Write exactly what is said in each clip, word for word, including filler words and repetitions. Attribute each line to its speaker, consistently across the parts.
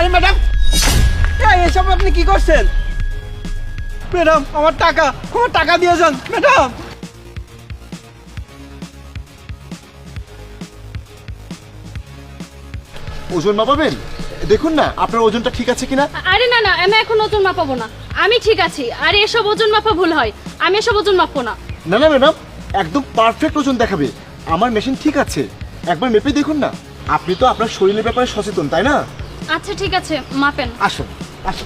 Speaker 1: আরে ম্যাডাম, এসব আপনি কি করছেন? ম্যাডাম আমার টাকা, আমার টাকা দিয়ে যান ম্যাডাম।
Speaker 2: ওজন মাপাবেন? দেখুন না আপনার ওজনটা ঠিক আছে কিনা।
Speaker 3: আরে না না, আমি এখন ওজন মাপাবো না, আমি ঠিক আছি। আরে এসব ওজন মাপা ভুল হয়, আমি এসব ওজন মাপবো না।
Speaker 2: না না ম্যাডাম, একদম পারফেক্ট ওজন দেখাবে। আমার মেশিন ঠিক আছে, একবার মেপে দেখুন না। আপনি তো আপনার শরীরের ব্যাপারে সচেতন, তাই না?
Speaker 3: আচ্ছা ঠিক আছে, মাপেন।
Speaker 2: আসুন আসুন।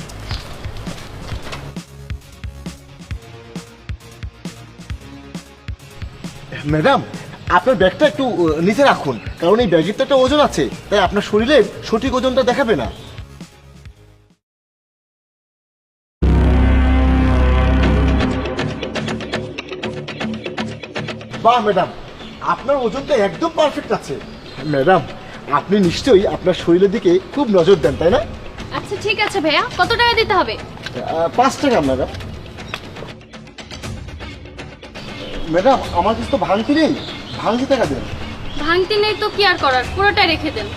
Speaker 2: ম্যাডাম আপনার ব্যাগটা একটু আহ, নিচে রাখুন, কারণ এই ব্যাগের তো একটা ওজন আছে, তাই আপনার শরীরের সঠিক ওজনটা দেখাবে না। বাহ ম্যাডাম, আপনার ওজনটা একদম পারফেক্ট আছে। ম্যাডাম আপনি নিশ্চয়ই আপনার শরীরের দিকে খুব নজর দেন, তাই না?
Speaker 3: আচ্ছা ঠিক আছে ভাইয়া, কত টাকা দিতে হবে?
Speaker 2: আহ, পাঁচ টাকা ম্যাডাম। ম্যাডাম আমার কাছে তো ভাঙতি নেই, ভাঙতি টাকা দেন।
Speaker 3: ভাঙতি নেই তো কি আর করার, পুরোটাই রেখে দেন।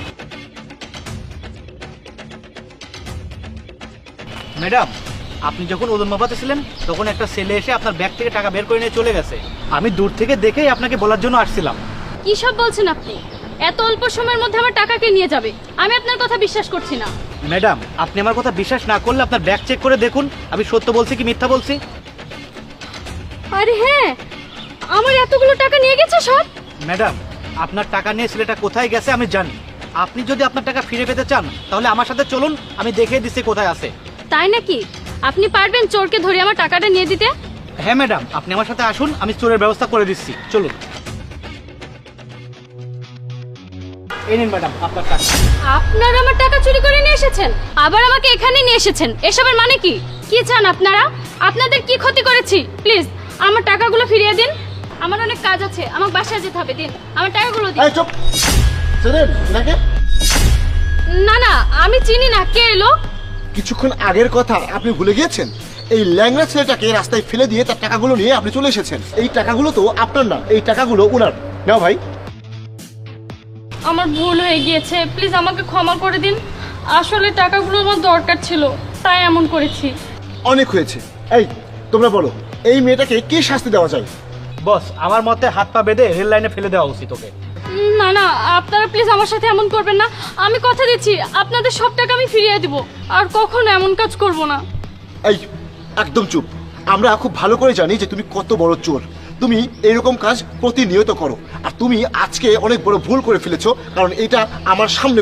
Speaker 4: ম্যাডাম, আপনি যখন ওজন মাপাতেছিলেন তখন একটা ছেলে এসে আপনার ব্যাগ থেকে টাকা বের করে নিয়ে চলে গেছে। আমি দূর থেকে দেখেই আপনাকে বলার জন্য আসছিলাম।
Speaker 3: কি সব বলছেন আপনি? এত অল্প সময়ের মধ্যে আমার টাকাকে নিয়ে যাবে? আমি আপনার কথা বিশ্বাস করছি না।
Speaker 4: ম্যাডাম, আপনি আমার কথা বিশ্বাস না করলে আপনার ব্যাগ চেক করে দেখুন আমি সত্য বলছি কি মিথ্যা বলছি।
Speaker 3: আরে হ্যাঁ, আমার এতগুলো টাকা নিয়ে গেছে সব।
Speaker 4: ম্যাডাম, আপনার টাকা নিয়ে ছেলেটা কোথায় গেছে আমি জানি। আপনি যদি আপনার টাকা ফিরে পেতে চান তাহলে আমার সাথে চলুন, আমি দেখিয়ে দিচ্ছি কোথায় আছে।
Speaker 3: তাই নাকি? আপনি পারবেন চোরকে ধরে আমার টাকাটা নিয়ে দিতে?
Speaker 4: হ্যাঁ ম্যাডাম, আপনি আমার সাথে আসুন, আমি চোরের ব্যবস্থা করে দিচ্ছি, চলুন। এই নিন ম্যাডাম আপনার টাকা।
Speaker 3: আপনারা আমার টাকা চুরি করে নিয়ে এসেছেন, আবার আমাকে এখানে নিয়ে এসেছেন। এসবের মানে কি? কি চান আপনারা? আপনাদের কি ক্ষতি করেছি? প্লিজ আমার টাকাগুলো ফিরিয়ে দিন। আমার অনেক কাজ আছে, আমাকে বাসায় যেতে হবে। দিন আমার টাকাগুলো দিন।
Speaker 2: এই চুপ, চেনেন এনাকে?
Speaker 3: না না, আমি চিনি না। কে এলো?
Speaker 2: কিছুক্ষণ আগের কথা আপনি ভুলে গিয়েছেন? এই ল্যাংড়া ছেলেটাকে রাস্তায় ফেলে দিয়ে তার টাকাগুলো নিয়ে আপনি চলে এসেছেন। এই টাকাগুলো তো আপনার না, এই টাকাগুলো ওনার। নাও ভাই।
Speaker 3: আমার ভুল হয়ে গিয়েছে, প্লিজ আমাকে ক্ষমা করে দিন। আসলে টাকাগুলো আমার দরকার ছিল, তাই এমন করেছি।
Speaker 2: অনেক হয়েছে। এই তোমরা বলো, এই মেয়েটাকে কি শাস্তি দেওয়া যায়?
Speaker 4: বস, আমার মতে হাত পা বেঁধে রেল লাইনে ফেলে দেওয়া উচিত ওকে।
Speaker 3: না না, আপনারা প্লিজ আমার সাথে এমন করবেন না। আমি কথা দিচ্ছি আপনাদের সব টাকা আমি ফিরিয়ে দিব, আর কখনো এমন কাজ করব না।
Speaker 2: এই একদম চুপ। আমরা খুব ভালো করে জানি যে তুমি কত বড় চোর। তুমি এরকম কাজ প্রতিনিয়ত করো, আর তুমি আজকে অনেক বড় ভুল করে ফেলেছো, কারণ এটা আমার সামনে